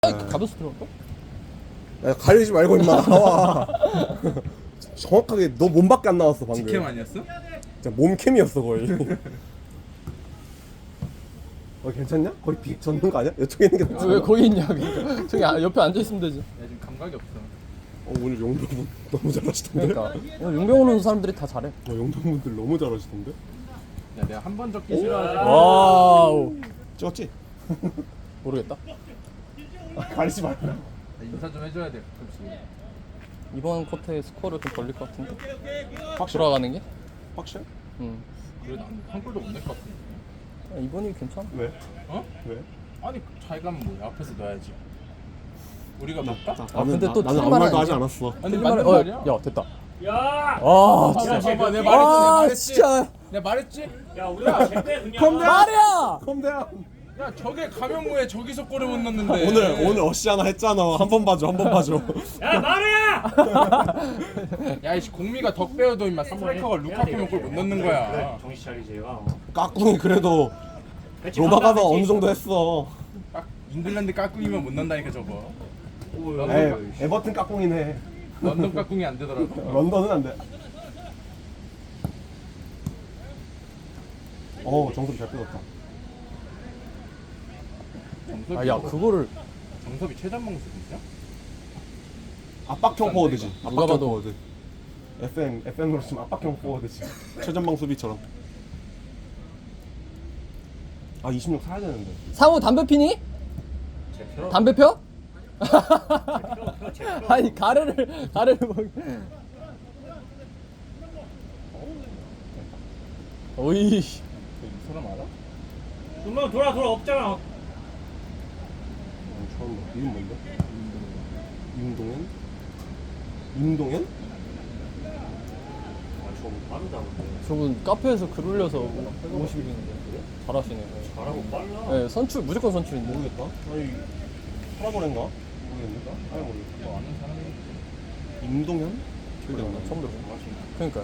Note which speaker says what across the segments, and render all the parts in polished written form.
Speaker 1: 가벼스 들어갈까?
Speaker 2: 야, 가리지 말고 임마 나와. 정확하게 너 몸밖에 안 나왔어 방금.
Speaker 3: 직캠 아니었어?
Speaker 2: 진짜 몸캠이었어 거의. 괜찮냐? 거의 비 젖는 거 아니야? 이쪽에 있는 게 낫지.
Speaker 1: 왜 거기 있냐? 그러니까 저기 옆에 앉아 있으면 되지.
Speaker 3: 야 지금 감각이 없어.
Speaker 2: 오늘 용병분 너무 잘하시던데.
Speaker 1: 그러니까 오늘 용병 오는 사람들이 다 잘해.
Speaker 2: 용병분들 너무 잘하시던데.
Speaker 3: 야 내가 한 번 적기 싫어하지.
Speaker 1: 와우.
Speaker 2: 찍었지?
Speaker 1: 모르겠다.
Speaker 2: 가리지 말라.
Speaker 3: 인사 좀 해줘야 돼. 그렇지.
Speaker 1: 이번 쿼터에 스코어를 좀 벌릴 것 같은데.
Speaker 2: 확실해?
Speaker 1: 돌아가는 게?
Speaker 2: 확실해?
Speaker 1: 응.
Speaker 3: 그래도 한 골도 못 낼 것 같은데.
Speaker 1: 이번이 괜찮아.
Speaker 2: 왜?
Speaker 3: 어?
Speaker 2: 왜?
Speaker 3: 아니 잘 가면 뭐야? 앞에서 넣어야지. 우리가 넣을까?
Speaker 1: 근데 또
Speaker 2: 나는 아무
Speaker 1: 틀린
Speaker 2: 말도
Speaker 1: 말은
Speaker 2: 하지
Speaker 1: 아니지.
Speaker 2: 않았어.
Speaker 3: 아니
Speaker 1: 틀린
Speaker 3: 맞는
Speaker 1: 말은-
Speaker 3: 말이야.
Speaker 1: 야 됐다.
Speaker 4: 야!
Speaker 1: 아
Speaker 3: 진짜
Speaker 1: 진짜.
Speaker 3: 봐봐 내가 말했지. 내가
Speaker 1: 아
Speaker 3: 말했지.
Speaker 1: 진짜.
Speaker 3: 내가 말했지.
Speaker 4: 야, 우리가 제때 그냥
Speaker 1: 말이야.
Speaker 2: 컴대야.
Speaker 3: 야 저게 가명무에 저기서 골을 못 넣는데.
Speaker 2: 오늘 어시 하나 했잖아. 한 번 봐줘, 한 번 봐줘.
Speaker 4: 야, 마루야!
Speaker 3: 야이씨 공미가 덕 배워도 임마 스트라이커가 루카쿠면 골 못 넣는 거야.
Speaker 4: 그래, 정신 차리지.
Speaker 2: 까꿍이 그래도 로마 가서 어느 정도 했어.
Speaker 3: 잉글랜드 까꿍이면 못 넣는다니까 저거.
Speaker 2: 에버튼 까꿍이네.
Speaker 3: 런던 까꿍이 안 되더라고.
Speaker 2: 런던은 안 돼. 정섭이 잘 끊었다.
Speaker 3: 정섭이
Speaker 1: 아야 그거를
Speaker 3: 정섭이 최전방 수비냐?
Speaker 2: 압박형 포워드지.
Speaker 1: 누가
Speaker 2: 압박형
Speaker 1: 봐도.
Speaker 2: 포워드. FM으로 치면 압박형 포워드지. 최전방 수비처럼. 26 사야 되는데.
Speaker 1: 상우 담배 피니?
Speaker 4: 제표.
Speaker 1: 담배 펴?
Speaker 4: 제표.
Speaker 1: 아니 가래를 먹. 오이.
Speaker 3: 이 사람 알아?
Speaker 4: 너 돌아 없잖아.
Speaker 2: 처음 봐. 이름 뭔데? 임동현? 임동현?
Speaker 4: 저거 빠르다 근데.
Speaker 1: 저분 카페에서 글 올려서 50일인데 잘하시네.
Speaker 4: 잘하고 빨라.
Speaker 1: 네 선출 무조건 선출인데.
Speaker 2: 모르겠다. 아니 파라보렌가? 모르겠는데? 아예 모르겠다.
Speaker 3: 너 아는 사람이
Speaker 2: 임동현?
Speaker 1: 기억이 안 나. 처음 들어. 그러니까.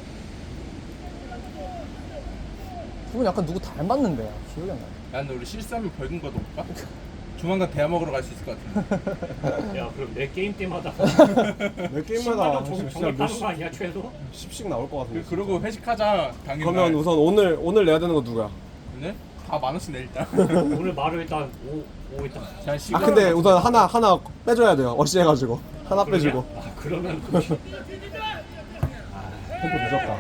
Speaker 1: 그분 약간 누구 닮았는데 기억이 안 나.
Speaker 3: 야 근데 우리 실수하면 벌금 걷어볼까? 조만간 대화 먹으러 갈 수 있을 것 같은데.
Speaker 4: 야, 그럼 내 게임 때마다
Speaker 2: 몇 게임마다
Speaker 4: 10만
Speaker 2: 진짜
Speaker 4: 정액하는 거
Speaker 2: 몇십
Speaker 4: 아니야 최소?
Speaker 2: 씩 나올 것 같은데.
Speaker 3: 그러고 회식하자 당일날.
Speaker 2: 그러면 우선 오늘 내야 되는 거 누구야?
Speaker 3: 근데 다 만 원씩 내 일단.
Speaker 4: 오늘 마루 일단 오 일단.
Speaker 3: 자
Speaker 2: 아
Speaker 3: 시간.
Speaker 2: 근데 우선 하나 빼줘야 돼요. 어시 해가지고 하나 빼주고.
Speaker 4: 아, 그러면 또
Speaker 2: 템포 늦었다.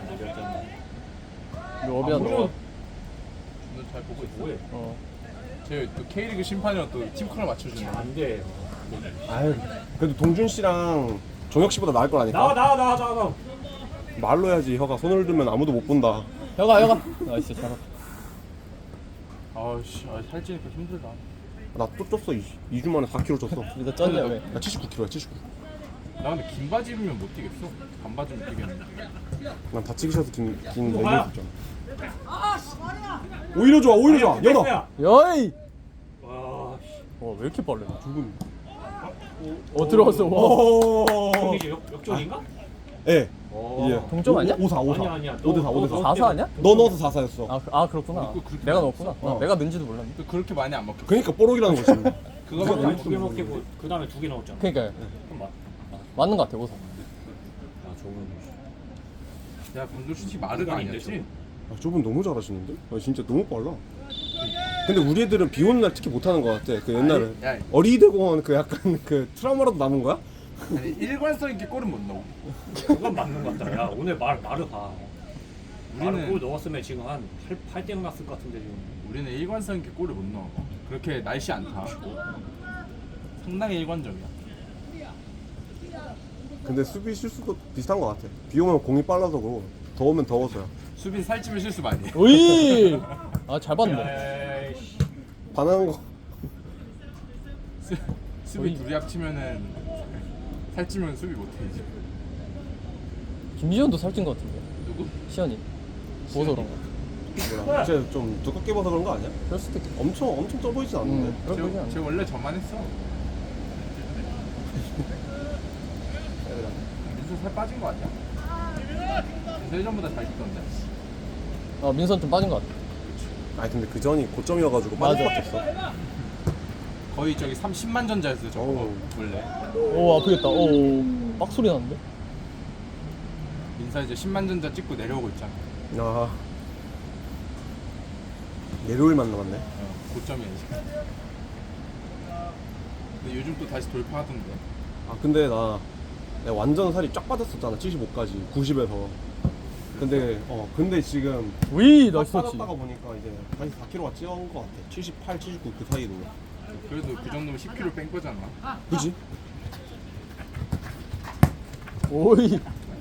Speaker 1: 이거 어비야 너.
Speaker 3: 너잘 보고 있어.
Speaker 4: 뭐해?
Speaker 3: 쟤또 K리그 심판이랑 또 팀컬러 맞춰주네.
Speaker 4: 안 돼.
Speaker 2: 아유 그래도 동준 씨랑 종혁 씨보다 나을 거라니까.
Speaker 4: 나와.
Speaker 2: 말로 해야지. 혀가 손을 들면 아무도 못 본다.
Speaker 1: 여가. 나이스 잘하.
Speaker 3: 아씨 살찌니까 힘들다.
Speaker 2: 나 또 쪘어. 2주 만에 4kg 쪘어.
Speaker 1: 이거 쩐냐 왜?
Speaker 2: 나 79kg야 79.
Speaker 3: 나 근데 긴 바지 입으면 못 뛰겠어. 반바지면 뛰겠는데.
Speaker 2: 난 다치기 싫어서 긴 레깅스
Speaker 4: 뭐야?
Speaker 2: 입잖아. 오히려 좋아 열어.
Speaker 1: 여이.
Speaker 4: 와, 씨.
Speaker 1: 왜 이렇게 빨래?
Speaker 2: 두분.
Speaker 1: 들어왔어. 와.
Speaker 2: 오.
Speaker 4: 이게 역전인가?
Speaker 2: 예.
Speaker 4: 오.
Speaker 2: 예.
Speaker 1: 동점 아니야?
Speaker 2: 5-4.
Speaker 4: 아니야.
Speaker 2: 5대4.
Speaker 1: 4사 아니야?
Speaker 2: 너 넣어서 4사였어.
Speaker 1: 그렇구나.
Speaker 3: 그렇게
Speaker 1: 내가 넣었구나.
Speaker 2: 어.
Speaker 1: 내가 넣은지도 몰랐네.
Speaker 3: 그렇게 많이 안 먹혀.
Speaker 2: 그러니까 뽀록이라는 거지.
Speaker 3: 그거만 안
Speaker 4: 두개 먹히고 그 다음에 2개 넣었잖아.
Speaker 1: 그러니까
Speaker 4: 그럼 맞.
Speaker 1: 맞는 것 같아 5사.
Speaker 4: 아, 저건.
Speaker 3: 야 방금 솔직히 마르가 아니었지?
Speaker 2: 저분 너무 잘하시는데? 진짜 너무 빨라. 근데 우리 애들은 비 오는 날 특히 못하는 것 같아. 그 옛날에
Speaker 3: 야.
Speaker 2: 어린이대 공원 그 약간 그 트라우마라도 남은 거야?
Speaker 3: 아니 일관성 있게 골은 못 넣어.
Speaker 4: 그건 맞는 것 같다. 야, 오늘 마루 봐. 마루 골
Speaker 3: 우리는
Speaker 4: 넣었으면 지금 한 8대0 났을 것 같은데 지금.
Speaker 3: 우리는 일관성 있게 골을 못 넣어. 그렇게 날씨 안 타. 상당히 일관적이야.
Speaker 2: 근데 수비 실수도 비슷한 것 같아. 비 오면 공이 빨라서 그러고 더우면 더워서야.
Speaker 3: 수비 살찌면 실수 많이 해.
Speaker 1: 오이. 잘 봤네.
Speaker 4: 에이씨.
Speaker 2: 반하는 거.
Speaker 3: 수비 둘이 합치면은 살찌면 수비 못해 이제.
Speaker 1: 김지현도 살찐 것 같은데.
Speaker 3: 누구?
Speaker 1: 시현이. 보서 그런가?
Speaker 2: 몰라. 쟤 좀 두껍게 봐서 그런 거 아니야?
Speaker 1: 그럴 수도 있겠다.
Speaker 2: 엄청 쪄 보이진 않는데.
Speaker 1: 그럴 거지 않나?
Speaker 3: 쟤 원래 저만 했어. 민수 살 빠진 거 아니야? 민수 예전보다 잘 찍던데.
Speaker 1: 민선 좀 빠진 것 같아.
Speaker 2: 아니 근데 그 전이 고점이어가지고
Speaker 1: 맞아.
Speaker 2: 빠질 수밖에 없어.
Speaker 3: 거의 저기 30만 전자였어요 저거
Speaker 2: 어우.
Speaker 3: 원래.
Speaker 1: 오 아프겠다. 오 빡소리 나는데?
Speaker 3: 민사 이제 10만 전자 찍고 내려오고 있잖아.
Speaker 2: 아 내려올만 남았네.
Speaker 3: 고점이야 지금. 근데 요즘 또 다시 돌파하던데.
Speaker 2: 아 근데 내가 완전 살이 쫙 빠졌었잖아. 75까지 90에서. 근데 지금
Speaker 1: 위
Speaker 2: 딱
Speaker 1: 나이스 터치.
Speaker 2: 빠졌다가 보니까 이제 다시 4kg가 찌어온 것 같아. 78, 79 그 사이로.
Speaker 3: 그래도 그 정도면 10kg 뺀 거잖아.
Speaker 2: 그지?
Speaker 1: 오이.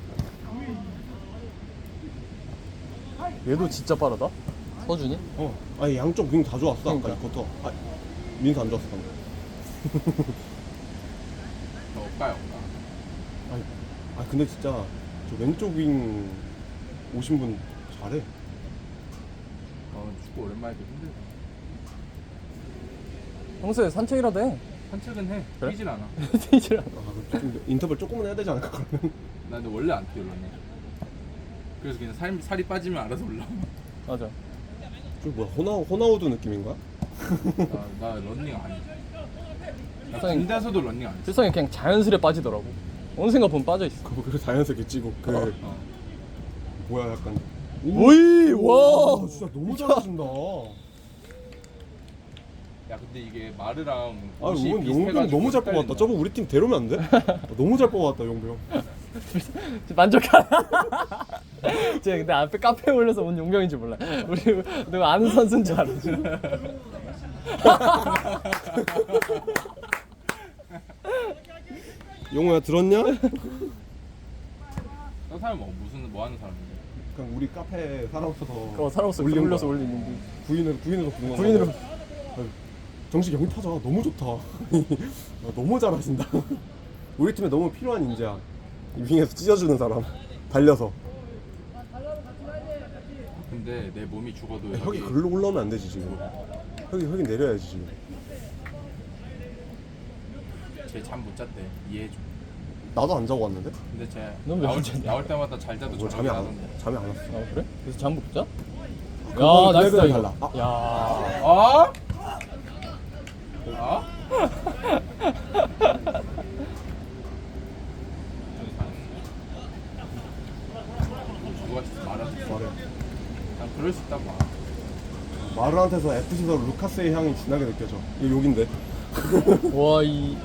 Speaker 1: 얘도 진짜 빠르다. 서준이?
Speaker 2: 아니 양쪽 윙 다 좋았어. 아까
Speaker 1: 그러니까.
Speaker 2: 이커터. 민수 안 좋았어 방금.
Speaker 3: 억까야 억까.
Speaker 2: 근데 진짜 저 왼쪽 윙 오신 분 잘해.
Speaker 3: 축구 오랜만에 도 힘들다.
Speaker 1: 평소에 산책이라도 해.
Speaker 3: 산책은 해.
Speaker 1: 그래?
Speaker 3: 뛰질 않아.
Speaker 1: 뛰질 않아.
Speaker 2: 좀 인터벌 조금은 해야 되지 않을까 그러면?
Speaker 3: 나 근데 원래 안 뛰어 러닝. 그래서 그냥 살이 빠지면 알아서 올라.
Speaker 1: 맞아.
Speaker 2: 좀 뭐야 호나우드 느낌인 거야?
Speaker 3: 나 러닝 안 해. 나
Speaker 1: 세상에-
Speaker 3: 군대에서도 러닝 안 해.
Speaker 1: 세상에 그냥 자연스레 빠지더라고. 어느 생각 보면 빠져 있어.
Speaker 2: 그래 자연스럽게 찌고 뭐야 약간
Speaker 1: 오이 와.
Speaker 2: 진짜 너무 잘하신다.
Speaker 3: 야 근데 이게 마르랑
Speaker 2: 아니
Speaker 3: 옷이
Speaker 2: 오늘 용병
Speaker 3: 비슷해가지고
Speaker 2: 너무 잘
Speaker 3: 헷갈린다.
Speaker 2: 뽑았다. 저거 우리 팀 데려오면 안 돼? 너무 잘 뽑았다 용병.
Speaker 1: 만족하나? 제가 근데 앞에 카페에 올려서 온 용병인 줄 몰라. 우리 누가 아는 선수인 줄 알았지.
Speaker 2: 용호야 들었냐?
Speaker 3: 저 사람 뭐 하는 사람인데?
Speaker 2: 그냥 우리 카페 사람 없어서
Speaker 1: 사람 없어.
Speaker 2: 올린
Speaker 1: 올려서
Speaker 2: 거야.
Speaker 1: 올리는 게.
Speaker 2: 구인으로 부르는 거야.
Speaker 1: 구인으로.
Speaker 2: 정식 영입 타자 너무 좋다. 너무 잘하신다. 우리 팀에 너무 필요한 인재야. 이 윙에서 찢어주는 사람. 달려서.
Speaker 3: 근데 내 몸이 죽어도
Speaker 2: 혁이 글로 올라오면 안 되지 지금. 혁이 내려야지 지금.
Speaker 3: 쟤잠 못 잤대. 이해해줘.
Speaker 2: 나도 안 자고 왔는데?
Speaker 3: 근데 쟤
Speaker 1: 넌왜안 잤냐?
Speaker 3: 나올 때마다 잘 자도
Speaker 2: 뭐
Speaker 3: 저녁에
Speaker 2: 잠이 안
Speaker 3: 나던데.
Speaker 2: 잠이 안 왔어.
Speaker 1: 아 그래? 그래서 잠 못 자?
Speaker 2: 그건
Speaker 1: 야 나이스
Speaker 2: 그날
Speaker 1: 이거.
Speaker 2: 달라. 아.
Speaker 1: 야.
Speaker 3: 어? 어? 누가 진짜 말하지?
Speaker 2: 말해.
Speaker 3: 난 그럴 수 있다고 봐.
Speaker 2: 마르한테서 FC에서 루카스의 향이 진하게 느껴져. 이거 욕인데.
Speaker 1: 와 이.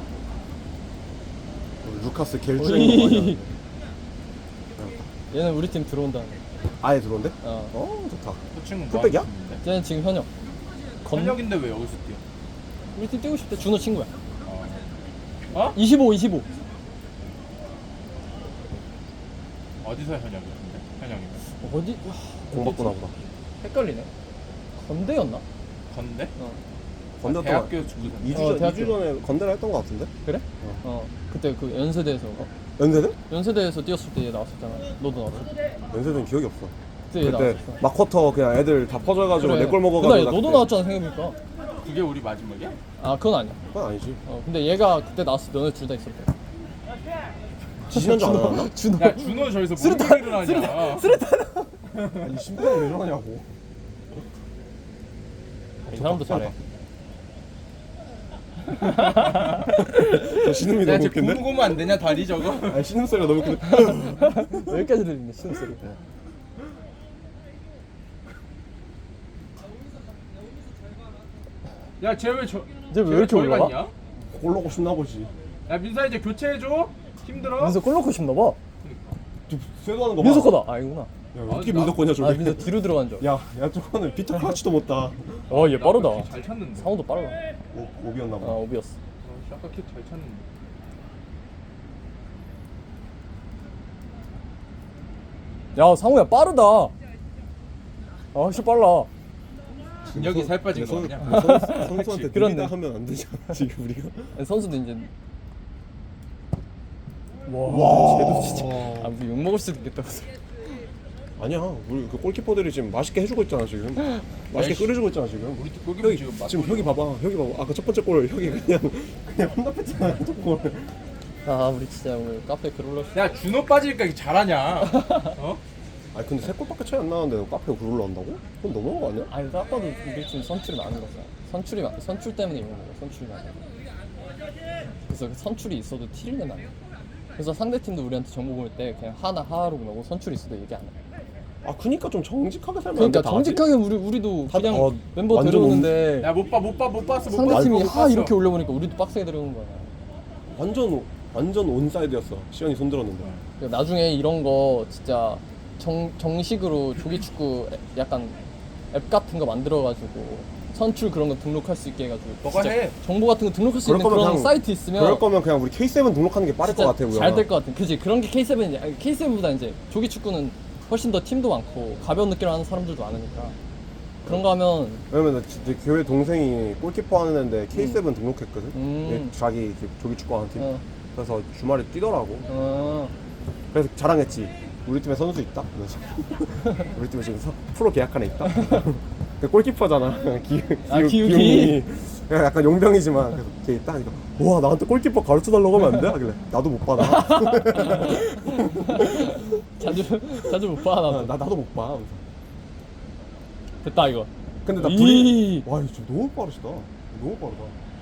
Speaker 2: 루카스
Speaker 1: 오이.
Speaker 2: 겔주행인 거 아니야?
Speaker 1: 얘는 우리 팀 들어온다.
Speaker 2: 아예 들어온대?
Speaker 1: 어.
Speaker 2: 좋다.
Speaker 3: 그 친구
Speaker 2: 풀백이야?
Speaker 3: 뭐 하는 친구인데?
Speaker 1: 쟤는 지금 현역.
Speaker 3: 현역인데 왜 여기서 뛰어?
Speaker 1: 우리 팀 뛰고 싶대. 준호 친구야.
Speaker 3: 어?
Speaker 1: 25.
Speaker 3: 어디서 현역이었는데? 현역이면
Speaker 1: 어디?
Speaker 2: 공 받고 나보다.
Speaker 1: 헷갈리네. 건대였나?
Speaker 3: 건대?
Speaker 2: 건대
Speaker 3: 대학교 축구단.
Speaker 2: 2주
Speaker 1: 대학교.
Speaker 2: 전에 건대를 했던 거 같은데?
Speaker 1: 그래? 그때 그 연세대에서
Speaker 2: 연세대?
Speaker 1: 연세대에서 뛰었을 때 얘 나왔었잖아. 너도 나왔어.
Speaker 2: 연세대는 기억이 없어.
Speaker 1: 그때 얘
Speaker 2: 그때
Speaker 1: 나왔었어.
Speaker 2: 막 쿼터 그냥 애들 다 퍼져가지고 내 골 먹어가지고
Speaker 1: 그날
Speaker 2: 나
Speaker 1: 너도
Speaker 2: 그때-
Speaker 1: 나왔잖아 생각해보니까.
Speaker 3: 그게 우리 마지막이야?
Speaker 1: 아 그건 아니야.
Speaker 2: 그건 아니지.
Speaker 1: 근데 얘가 그때 나왔을 때 너네 둘 다 있었대.
Speaker 2: 지지난주 안 나왔나?
Speaker 1: 준호.
Speaker 3: 야 준호 저기서 뭔 얘기를 하냐?
Speaker 2: 아니 심판을 왜 저러냐고.
Speaker 1: 이 사람도 잘해.
Speaker 2: 저 신음이
Speaker 3: 야,
Speaker 2: 너무
Speaker 3: 쟤
Speaker 2: 웃긴데?
Speaker 3: 고무고무 안 되냐 다리 저거?
Speaker 2: 아니 신음 소리가 너무 웃긴데?
Speaker 1: 여기까지 들리네 신음소리.
Speaker 3: 야, 쟤 왜 저?
Speaker 1: 이제 왜 이렇게
Speaker 3: 저기
Speaker 1: 올라가?
Speaker 3: 갔냐?
Speaker 2: 골 넣고 싶나 보지.
Speaker 3: 야 민사 이제 교체해줘. 힘들어?
Speaker 1: 민서 골 넣고 싶나 봐.
Speaker 2: 쇄도하는 거 봐.
Speaker 1: 민서 거다. 아니구나.
Speaker 2: 야, 어떻게 민서 거냐
Speaker 1: 아
Speaker 2: 저게.
Speaker 1: 민서 뒤로 들어간 줄.
Speaker 2: 야 저거는 피터 클러치도 못 따.
Speaker 1: 어얘 빠르다.
Speaker 3: 잘 찼는데.
Speaker 1: 상호도 빠르다.
Speaker 2: 오비였나
Speaker 1: 아
Speaker 2: 봐.
Speaker 1: 오비였어.
Speaker 3: 아까 킥잘 찼는데.
Speaker 1: 야 상호야 빠르다. 아 진짜 빨라.
Speaker 3: 진혁이 살 빠진 거 아니야?
Speaker 2: 선수한테
Speaker 1: 그렇네.
Speaker 2: 느리다 하면 안 되잖아 지금 우리가.
Speaker 1: 아니, 선수도 이제. 와. 쟤도 진짜. 아 우리 욕 먹을 수도 있겠다.
Speaker 2: 아니야 우리 그 골키퍼들이 지금 맛있게 해주고 있잖아 지금. 맛있게 끓여주고 있잖아 지금.
Speaker 3: 우리 팀 골키퍼
Speaker 2: 혁이
Speaker 3: 지금
Speaker 2: 혁이 봐봐 아까 첫 번째 골 혁이 그냥 혼납했잖아 첫 골.
Speaker 1: 아 우리 진짜 오늘 카페 글 올렸어.
Speaker 3: 야 준호 빠지니까 이렇게 잘하냐? 어?
Speaker 2: 아니 근데 3골밖에 차이 안 나는데 카페가 그걸 올라온다고? 그건 너무한 거 아니야?
Speaker 1: 아니 딱 봐도 우리 팀 선출이 많은 거잖아. 선출 때문에 이런 거야. 선출이 많아. 그래서 그 선출이 있어도 티를 내면 안 돼. 그래서 상대 팀도 우리한테 정보 보낼 때 그냥 하하로 보내고 선출이 있어도 얘기 안 해.
Speaker 2: 아 그니까 좀 정직하게 살면 안 돼.
Speaker 1: 그러니까 정직하게 우리도
Speaker 2: 다-
Speaker 1: 그냥 멤버
Speaker 2: 완전
Speaker 1: 데려오는데
Speaker 3: 야 못 봤어.
Speaker 1: 상대 팀이
Speaker 3: 못
Speaker 1: 하
Speaker 3: 봤어.
Speaker 1: 이렇게 올려보니까 우리도 빡세게 데려오는 거야.
Speaker 2: 완전 온사이드였어. 시연이 손들었는데.
Speaker 1: 그러니까 나중에 이런 거 진짜 정식으로 조기축구 약간 앱 같은 거 만들어가지고 선출 그런 거 등록할 수 있게 해가지고
Speaker 3: 너가
Speaker 1: 진짜
Speaker 3: 해.
Speaker 1: 정보 같은 거 등록할 수
Speaker 2: 그럴
Speaker 1: 있는
Speaker 2: 거면
Speaker 1: 그런
Speaker 2: 그냥-
Speaker 1: 사이트 있으면
Speaker 2: 그럴 거면 그냥 우리 K7 등록하는 게 빠를 것 같아. 우영아.
Speaker 1: 잘 될 것 같아. 그지? 그런 게 K7이지. K7보다 이제 조기 축구는 훨씬 더 팀도 많고 가벼운 느낌을 하는 사람들도 많으니까 그런 거 하면
Speaker 2: 왜냐면 내 교회 동생이 골키퍼 하는 애인데 K7 등록했거든.
Speaker 1: 음.
Speaker 2: 자기 이제 조기 축구하는 팀.
Speaker 1: 어.
Speaker 2: 그래서 주말에 뛰더라고.
Speaker 1: 어.
Speaker 2: 그래서 자랑했지. 우리 팀에 선수 있다. 그래서 우리 팀에 지금 프로 계약한 애 있다. 그 골키퍼잖아. 기웅이. 그냥 약간 용병이지만 그래서 걔 있다 하니까 와 나한테 골키퍼 가르쳐 달라고 하면 안 돼? 하길래 나도 못 봐.
Speaker 1: 자주 못 봐. 나도.
Speaker 2: 나도 못 봐. 그래서.
Speaker 1: 됐다 이거.
Speaker 2: 근데 나
Speaker 1: 이-
Speaker 2: 둘이 와 이거 너무 빠르시다. 너무 빠르다.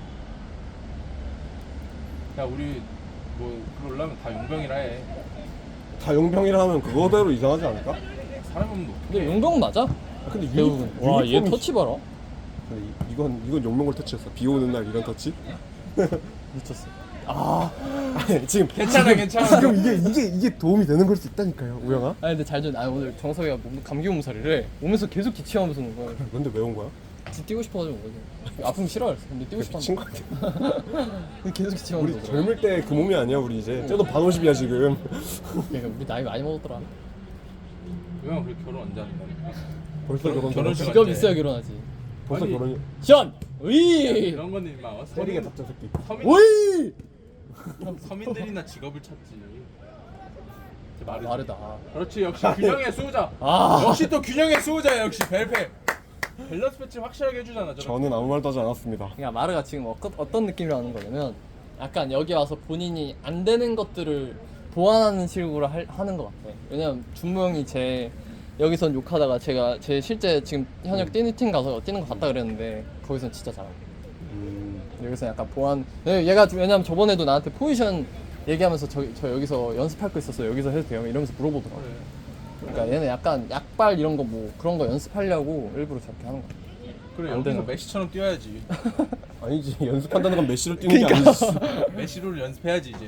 Speaker 3: 야 우리 뭐 그러려면 다 용병이라 해.
Speaker 2: 다 용병이라 하면 그거대로 이상하지 않을까?
Speaker 3: 사람 없는 거.
Speaker 1: 근데 용병 맞아?
Speaker 2: 아, 근데
Speaker 1: 대부분. 와, 얘
Speaker 2: 유니폼이-
Speaker 1: 터치 봐라.
Speaker 2: 근데 이건 용병골 터치였어. 비 오는 날 이런 터치?
Speaker 1: 미쳤어.
Speaker 2: 아니, 지금
Speaker 3: 괜찮아.
Speaker 2: 지금 이게 도움이 되는 걸 수 있다니까요, 우영아.
Speaker 1: 아니 근데 잘 좀. 아 오늘 정석이가 감기 몸살이래. 오면서 계속 기침하면서 오는 거야.
Speaker 2: 근데 왜 온 거야?
Speaker 1: 지 뛰고 싶어가지고 온 거지. 아프면 싫어했어. 근데 뛰고 싶어.
Speaker 2: 미친 거 같아.
Speaker 1: 계속 기침하면서
Speaker 2: 우리
Speaker 1: 오더라.
Speaker 2: 젊을 때 그 몸이 아니야, 우리 이제. 쟤도 반 50이야 지금.
Speaker 1: 그러니까 우리 나이 많이 먹었더라.
Speaker 3: 왜 그렇게 결혼 언제 한다니까?
Speaker 2: 벌써
Speaker 3: 결혼
Speaker 2: 결혼.
Speaker 3: 시간-
Speaker 1: 직업 있어야 결혼하지.
Speaker 2: 벌써
Speaker 3: 아니,
Speaker 2: 결혼이.
Speaker 1: 시원! 으이!
Speaker 3: 이런 거는 임마
Speaker 2: 때리게 답장 새끼.
Speaker 1: 오이!
Speaker 3: 서민들이나 직업을 찾지. 제 말이
Speaker 1: 마르다.
Speaker 3: 그렇지 역시 균형의 수호자.
Speaker 1: 아.
Speaker 3: 역시 또 균형의 수호자 역시 벨페. 밸런스 배치 확실하게 해주잖아. 저렇게.
Speaker 2: 저는 아무 말도 하지 않았습니다.
Speaker 1: 그러니까 마르가 지금 어떤 느낌이라는 거냐면 약간 여기 와서 본인이 안 되는 것들을 보완하는 식으로 하는 것 같아. 왜냐면 준모 형이 여기선 욕하다가 제 실제 지금 현역 뛰는 팀 가서 뛰는 거 봤다 그랬는데 거기선 진짜 잘하고 여기서 약간 보완. 얘가 왜냐면 저번에도 나한테 포지션 얘기하면서 저 여기서 연습할 거 있었어. 여기서 해도 돼요? 이러면서 물어보더라고.
Speaker 3: 그래.
Speaker 1: 그러니까 얘는 약간 약발 이런 거 뭐 그런 거 연습하려고 일부러 저렇게 하는 거야.
Speaker 3: 그래
Speaker 1: 안
Speaker 3: 여기서
Speaker 1: 되나?
Speaker 3: 메시처럼 뛰어야지.
Speaker 2: 아니지 연습한다는 건 메시로 뛰는 게 아니지.
Speaker 3: 메시를 연습해야지 이제.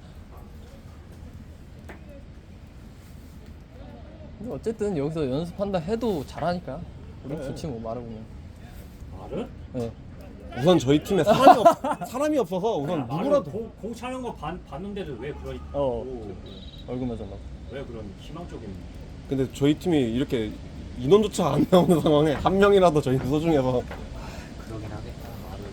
Speaker 1: 근데 어쨌든 여기서 연습한다 해도 잘하니까 우리
Speaker 2: 그래.
Speaker 1: 좋지 뭐 말해보면.
Speaker 4: 말을?
Speaker 1: 네.
Speaker 2: 우선 저희 팀에 사람이 없어서 우선
Speaker 4: 야, 나는
Speaker 2: 누구라도
Speaker 4: 공 차는 거 봤는데도 왜 그런
Speaker 1: 얼굴만 전나.
Speaker 4: 왜 그런 희망적인
Speaker 2: 근데 저희 팀이 이렇게 인원조차 안 나오는 상황에 한 명이라도 저희 소중해서
Speaker 4: 그러긴 하겠다. 말을.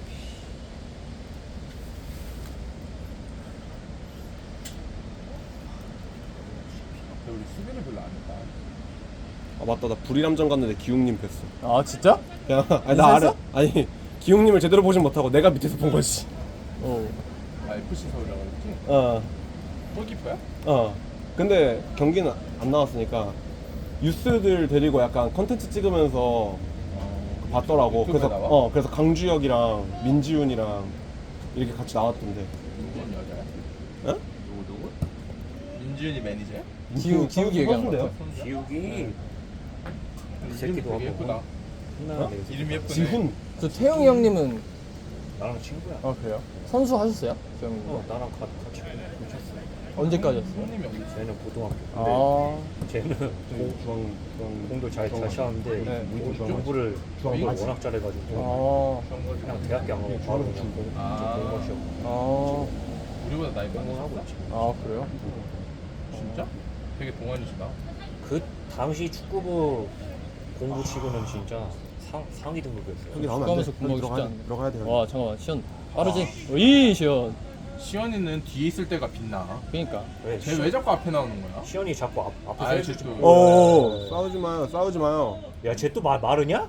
Speaker 3: 우리 수비를 별로 안 했다.
Speaker 2: 아 맞다 나 불이람전 갔는데 기웅님 뵀어.
Speaker 1: 아 진짜?
Speaker 2: 그냥 아니 나 알아. 아니 기웅님을 제대로 보진 못하고 내가 밑에서 본 거지.
Speaker 1: 어.
Speaker 3: 아 FC 서울이라고 했지?
Speaker 2: 어.
Speaker 3: 골키퍼야?
Speaker 2: 근데 경기는 안 나왔으니까 유스들 데리고 약간 컨텐츠 찍으면서 봤더라고.
Speaker 3: 유튜브에
Speaker 2: 그래서
Speaker 3: 나와?
Speaker 2: 그래서 강주혁이랑 민지훈이랑 이렇게 같이 나왔던데.
Speaker 3: 누군 여자야?
Speaker 2: 어?
Speaker 3: 누구? 민지윤이 매니저야?
Speaker 1: 기욱이 얘기하는 거 같아.
Speaker 3: 선수야?
Speaker 4: 기욱이
Speaker 3: 이름
Speaker 4: 새끼도
Speaker 3: 되게
Speaker 4: 하고.
Speaker 3: 예쁘다.
Speaker 4: 혼나는데
Speaker 3: 이름이 예쁘네.
Speaker 2: 지훈.
Speaker 1: 그 태용이 형님은
Speaker 4: 나랑 친구야.
Speaker 1: 아 그래요? 선수 하셨어요? 그 형님.
Speaker 4: 나랑 같이 공 쳤어.
Speaker 1: 언제까지였어요?
Speaker 3: 형님이 어디 있어?
Speaker 4: 쟤는 고등학교.
Speaker 1: 아.
Speaker 4: 쟤는
Speaker 2: 중앙
Speaker 4: 공도 잘 쳤는데
Speaker 1: 네.
Speaker 4: 공부를 워낙 잘해가지고 그냥 대학교 안 가고 바로 그냥 공부 시작.
Speaker 1: 아.
Speaker 3: 우리보다 나이 많아.
Speaker 4: 공부하고 있지.
Speaker 1: 아 그래요?
Speaker 3: 진짜? 되게 동안이시다.
Speaker 4: 그 당시 축구부 공부 치고는 진짜 상위 등급이었어요.
Speaker 2: 여기 나오면 안 돼.
Speaker 1: 축구하면서 공부하기 쉽지 않네.
Speaker 2: 들어가야 돼.
Speaker 1: 와 잠깐만 시연 빠르지? 어이 시연.
Speaker 3: 시연이는 뒤에 있을 때가 빛나.
Speaker 1: 그러니까.
Speaker 3: 쟤 왜 자꾸 앞에 나오는 거야?
Speaker 4: 시연이 자꾸 앞에서
Speaker 3: 아이,
Speaker 4: 해주지.
Speaker 3: 저-
Speaker 2: 오 싸우지 마요.
Speaker 4: 야, 쟤 또 마르냐?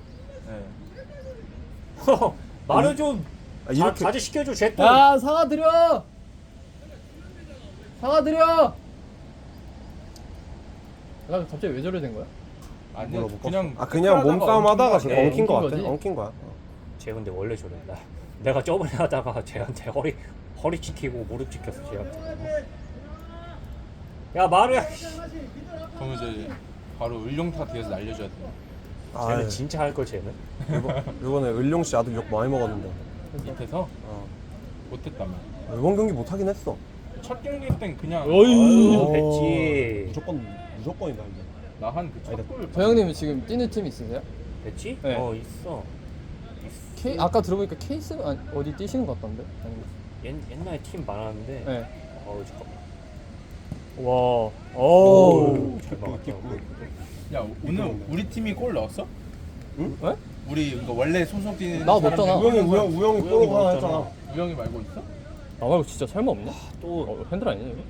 Speaker 3: 네.
Speaker 4: 말을 좀
Speaker 2: 아, 이렇게
Speaker 4: 자제 시켜줘. 쟤 또.
Speaker 1: 야 사과 드려. 사과 드려. 나 갑자기 왜 저래 된 거야?
Speaker 3: 아니
Speaker 2: 물어볼까?
Speaker 3: 그냥
Speaker 2: 그냥 몸싸움 하다가
Speaker 3: 엉킨
Speaker 2: 엉킨
Speaker 1: 엉킨
Speaker 2: 거 같아.
Speaker 1: 거지?
Speaker 2: 엉킨 거야.
Speaker 4: 쟤 근데 원래 저래. 내가 저번에 하다가 쟤한테 허리 찍히고 무릎 찍혔어 쟤한테. 야 마루야.
Speaker 3: 그러면 이제 바로 을룡타 뒤에서 날려줘야 돼.
Speaker 4: 쟤는 진짜 할 걸 쟤는.
Speaker 2: 이번에 을룡 씨 아들 욕 많이 먹었는데.
Speaker 3: 밑에서
Speaker 2: 어.
Speaker 3: 못했다며.
Speaker 2: 이번 경기 못 하긴 했어.
Speaker 3: 첫 경기 땐 그냥
Speaker 1: 어이.
Speaker 4: 됐지.
Speaker 2: 무조건이다 이제.
Speaker 3: 나한 그첫 골.
Speaker 1: 저 형님은 지금 뛰는 팀 있으세요?
Speaker 4: 됐지?
Speaker 1: 네.
Speaker 4: 있어.
Speaker 1: K 아까 들어보니까 케이스 어디 뛰시는 것 같던데? 아니면
Speaker 4: 옛날에 팀 많았는데.
Speaker 1: 네.
Speaker 4: 잠깐만.
Speaker 1: 와. 오.
Speaker 4: 잘 막았다.
Speaker 3: 야 오늘 우리 팀이 골 넣었어?
Speaker 2: 응?
Speaker 1: 네?
Speaker 3: 우리 이거 원래 소속 뛰는
Speaker 1: 나 넣었잖아.
Speaker 2: 우영이 뽀록 하나 했잖아.
Speaker 3: 우영이 말고 있어?
Speaker 1: 나 말고 진짜 설마 없냐?
Speaker 4: 또
Speaker 1: 핸들 아니냐 이거?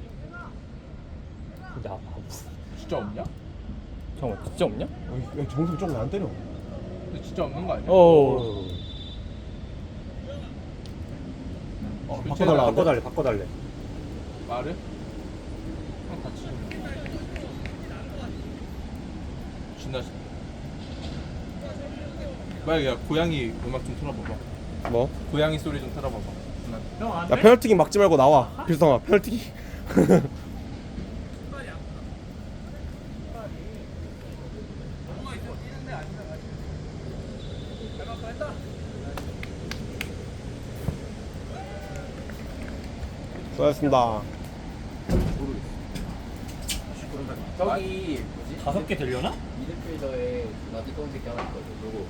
Speaker 4: 야,
Speaker 3: 진짜 없냐?
Speaker 1: 잠깐만 진짜 없냐?
Speaker 2: 야, 정승 조금 안 때려.
Speaker 3: 근데 진짜 없는 거 아니야?
Speaker 1: 어.
Speaker 4: 바꿔달래.
Speaker 3: 말을? 형 같이 좀. 진다. 만약 야 고양이 음악 좀 틀어봐봐.
Speaker 2: 뭐?
Speaker 3: 고양이 소리 좀 틀어봐봐.
Speaker 2: 야 페널티킥 막지 말고 나와. 필성아 페널티킥. 수고하셨습니다.
Speaker 1: 저기 뭐지?
Speaker 4: 5개 되려나?
Speaker 1: 미드필더에 나디 검은 새끼 하나 있거든. 누구?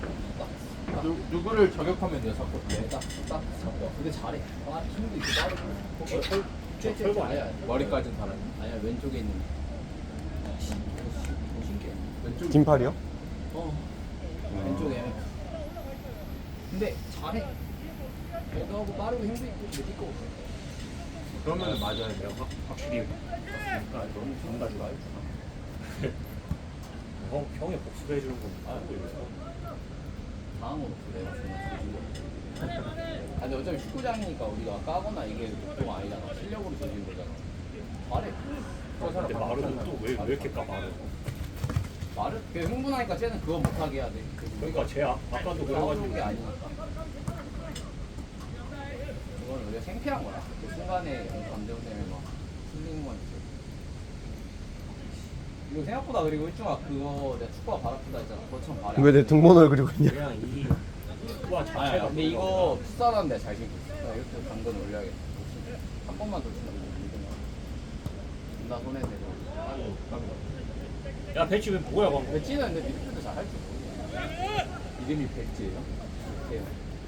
Speaker 3: 누구를 저격하면 돼요, 자꾸.
Speaker 1: 딱 잡고. 근데 잘해. 아 힘도 있고 빠르고.
Speaker 4: 털고
Speaker 1: 아니야.
Speaker 3: 머리까지는 달아요.
Speaker 1: 아니야 왼쪽에 있는. 신기해. 왼쪽.
Speaker 2: 긴팔이요?
Speaker 1: 왼쪽에. 근데 잘해. 배도하고 빠르고 힘도 있고 느낄 거 없어.
Speaker 3: 그러면 맞아야 돼요.
Speaker 4: 확실히
Speaker 1: 그러니까 너무 좋은 가지고 알잖아.
Speaker 4: 형이 복수를 해주는 건
Speaker 1: 다음으로 내가 정말 조준 거. 근데 어차피 축구장이니까 우리가 까거나 이게 목표가 아니잖아. 실력으로 조준 거잖아. 잘해.
Speaker 4: 근데 마루는 또 왜 이렇게 까마르?
Speaker 1: 말을 걔 흥분하니까 쟤는 그거 못하게 해야 돼.
Speaker 4: 그러니까 쟤 아까도
Speaker 1: 싸우는 게
Speaker 4: 그래가지고
Speaker 1: 아니니까. 그건 우리가 생피한 거야. 그 순간에 감정 때문에 막 풀리는 건 있어. 이거 생각보다 그리고 일중아 그거 내가 축구가 발 아프다 했잖아. 그것처럼 발이
Speaker 2: 왜 내 등번호를 그리고 있냐?
Speaker 4: 그냥 이 축구화
Speaker 1: 아니
Speaker 4: 자체가
Speaker 1: 근데 이거 풋살하는데 잘 신고 있어. 나 이렇게 당근 올려야겠다. 한 번만 더 치면 나 손에 대고.
Speaker 4: 야 배치 왜 뭐야 방금?
Speaker 1: 배치는 근데 미드필드 잘할 줄 모르겠어. 이름이 배치예요? 배치예요.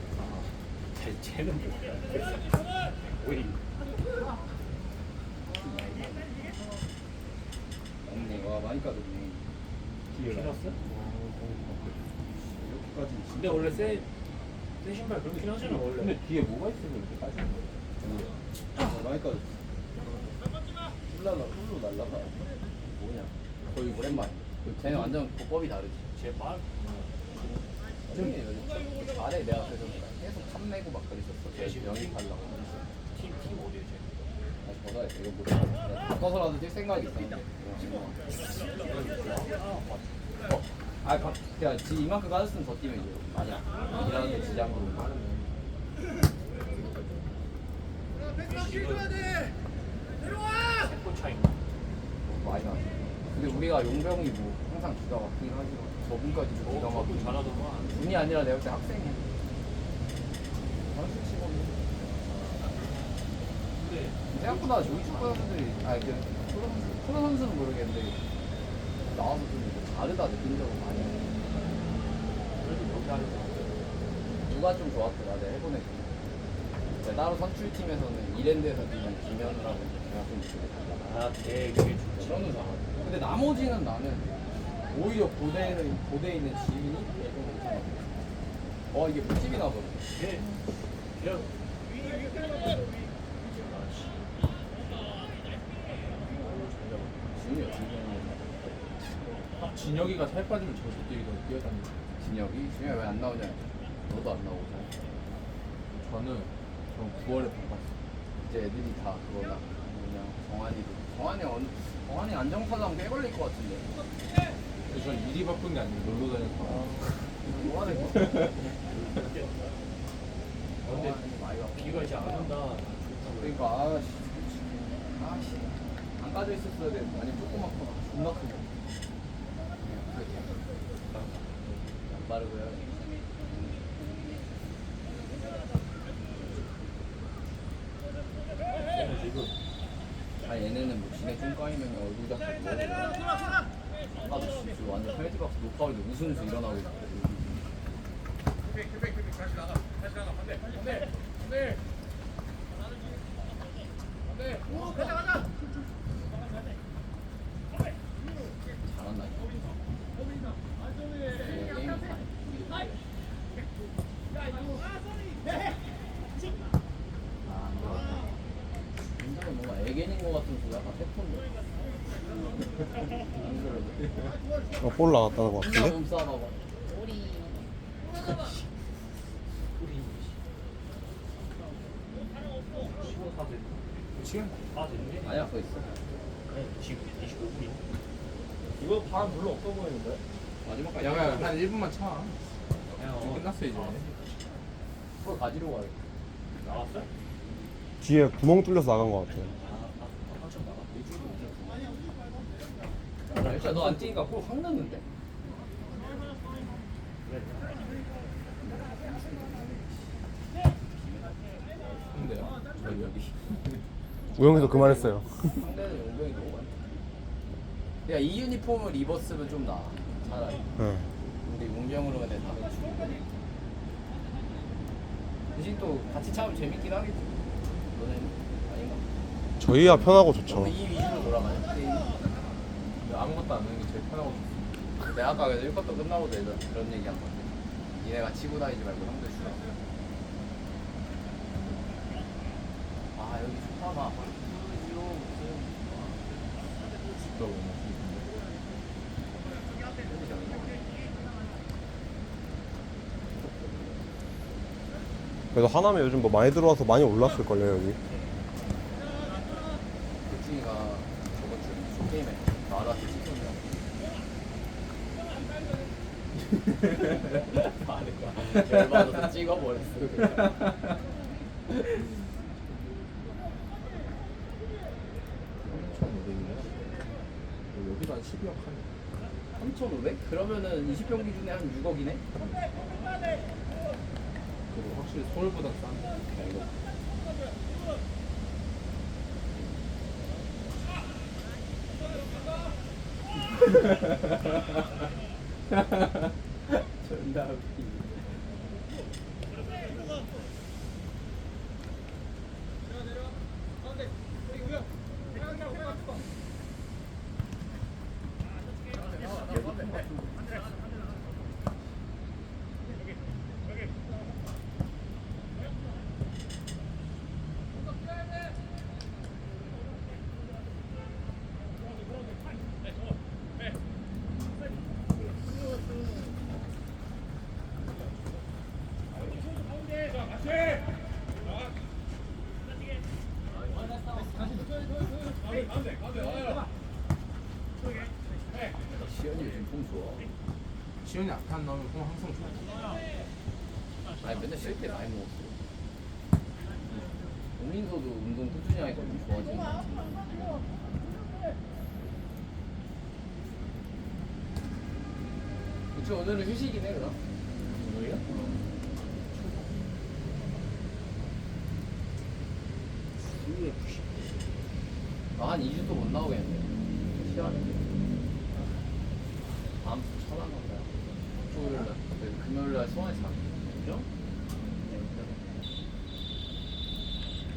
Speaker 4: 쟤는 뭐야? 왜
Speaker 1: 없네. 와 많이 까졌네.
Speaker 4: 피났어?
Speaker 1: 이렇게까지.
Speaker 4: 근데 원래 새 신발 그렇게 신하잖아 원래.
Speaker 1: 근데 뒤에 뭐가 있으면 이렇게 까지는 거야? 많이 까졌어. 훌로 날라가. 뭐냐? 거의 오랜만에. 쟤는 완전 보법이 다르지.
Speaker 4: 제발.
Speaker 1: 형이 요즘 잘해. 내가 그래서 계속 탐내고 막 그랬었어. 쟤 영입하려고.
Speaker 4: 팀 어디야 쟤?
Speaker 1: 다시 벗어야 돼. 이거 모르겠어. 바꿔서라도 뛸 생각이 있었는데. 야, 지 이만큼 까졌으면 더 뛰면 이제 아니야. 일하는데 지장으로.
Speaker 4: 골 차이.
Speaker 1: 많이 나. 근데 우리가 용병이 뭐 항상 기가 막히긴 하지만 저분까지 기가 막히긴
Speaker 4: 잘하더만.
Speaker 1: 운이 아니라 내가 볼 때 학생이야. 선수 치고. 생각보다 조기 축구 선수들이 프로 선수는 모르겠는데 나와서 좀 이렇게 다르다 느낀 적은 많이 있어. 그래도 여기 하는 누가 좀 좋았더라. 내가 해보네. 따로 선출팀에서는 이랜드에서 뛰는 김현우라고 제가 좀 달라.
Speaker 4: 아 되게 좋지.
Speaker 1: 저는 잘하고. 근데 나머지는 나는 오히려 고대에 있는 지인이 좀 괜찮아. 이게 꿀집이나 보네.
Speaker 4: 그냥
Speaker 1: 지인이 어떻게 되는
Speaker 3: 진혁이가 살 빠지면 저도 뛰어다니고.
Speaker 1: 진혁이 왜 안 나오냐? 너도 안 나오잖아.
Speaker 3: 저는 9월에 바꿨어요.
Speaker 1: 이제 애들이 다 그거나 뭐냐 정한이도 정한이 안정타당 꽤 걸릴 것 같은데.
Speaker 3: 근데 전 일이 바쁜 게 아니고 놀러 다녀서.
Speaker 1: 뭐 하는 거?
Speaker 4: 근데 비가 이제 안 온다.
Speaker 1: 그러니까 아씨 안 까져 있었어야 되는데 아니 조그맣거나 존나 크고. 안 빠르고요. 아 얘네는 뭐 지네 뚱까이면 얼굴 잡고 아까도 진짜 완전 페이지박스 녹화하고 웃으면서 일어나고 있고. 잘한다 굉장히 뭔가 애견인 것 같은 소리 약간 태권도 안 그래도
Speaker 2: 볼 나왔다는 것
Speaker 1: 존나
Speaker 2: 같은데?
Speaker 1: 몸싸움하고
Speaker 3: 지금?
Speaker 4: 아 됐네.
Speaker 1: 아니야 그거 있어
Speaker 4: 지금 25분이.
Speaker 1: 이거 바람 별로 없어 보이는데? 마지막까지
Speaker 3: 야야 한 1분만 차.
Speaker 4: 야,
Speaker 3: 끝났어 이제.
Speaker 1: 그걸 가지러 가야겠다
Speaker 4: 나왔어?
Speaker 2: 뒤에 구멍 뚫려서 나간 것 같아.
Speaker 4: 한참 나가.
Speaker 1: 일단 너 안 뛰니까 골확 넣는데?
Speaker 3: 근데요? 저희요?
Speaker 2: 우영이도 그만했어요.
Speaker 1: 상대는 용병이 너무 많다 야 이 유니폼을 입었으면 좀 나아 차라리
Speaker 2: 응.
Speaker 1: 우리 용병으로 그냥 다 맞추고 대신 또 같이 차면 재밌긴 하겠지 너네는 아닌가?
Speaker 2: 저희야 편하고 좋죠.
Speaker 1: 너무 이 위주로 돌아가냐?
Speaker 3: 아무것도 안 하는 게 제일 편하고.
Speaker 1: 내가 아까 그래서 1쿼터 끝나고도 그런 얘기 한 건데 니네가 치고 다니지 말고 형들 주라 아 여기 좋다 막
Speaker 3: 싶다고
Speaker 2: 그래도 하남에 요즘 뭐 많이 들어와서 많이 올랐을걸요, 여기.
Speaker 1: 백준이가 저번 주에 쇼게임에 나라한테 찍었냐 열받아서 찍어버렸어
Speaker 3: 3,500이네. 여기도 한 12억 하네.
Speaker 1: 3,500? 그러면은 20평 기준에 한 6억이네?
Speaker 3: 그리고 확실히 서울보다 싼.
Speaker 1: 존나 웃기네 시연이 요즘 폼 좋아
Speaker 3: 시연이 앞에 나오면 폼 항상 좋아.
Speaker 1: 아니 맨날 쉴 때 많이 먹었어 오민서도 운동 꾸준히 하니까 좀 좋아지는 것 같아 그치 오늘은 휴식이네 그럼 오늘이야? 한 2주 또 못 나오겠는데 시간인데 다음 주 천안 간다 토요일날 금요일날 수원에서